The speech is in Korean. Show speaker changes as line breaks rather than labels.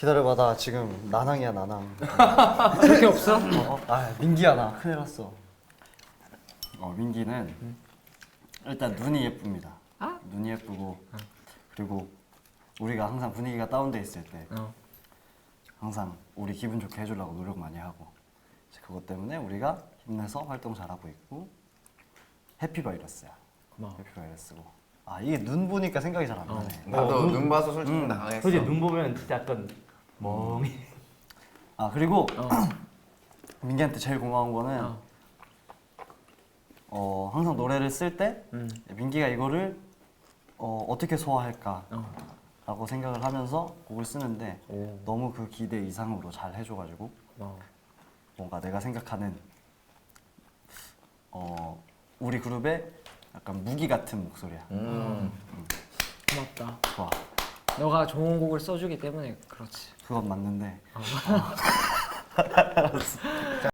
기다려봐, 나 지금 나낭이야, 나낭.
그렇게 없어?
아, 민기야, 나 큰일 났어. 민기는 일단 눈이 예쁩니다. 눈이 예쁘고 그리고 우리가 항상 분위기가 다운돼 있을 때 항상 우리 기분 좋게 해주려고 노력 많이 하고 그것 때문에 우리가 힘내서 활동 잘하고 있고 해피바이러스야. 해피바이러스고. 이게 눈 보니까 생각이 잘 안 나네.
나도 눈 봐서 솔직히 당황했어.
솔직히 눈 보면 진짜 약간 멍해.
그리고 민기한테 제일 고마운 거는 항상 노래를 쓸 때 민기가 이거를 어떻게 소화할까 라고 생각을 하면서 곡을 쓰는데 너무 그 기대 이상으로 잘 해줘가지고 뭔가 내가 생각하는 우리 그룹의 약간 무기 같은 목소리야.
고맙다.
좋아.
너가 좋은 곡을 써주기 때문에 그렇지.
그건 맞는데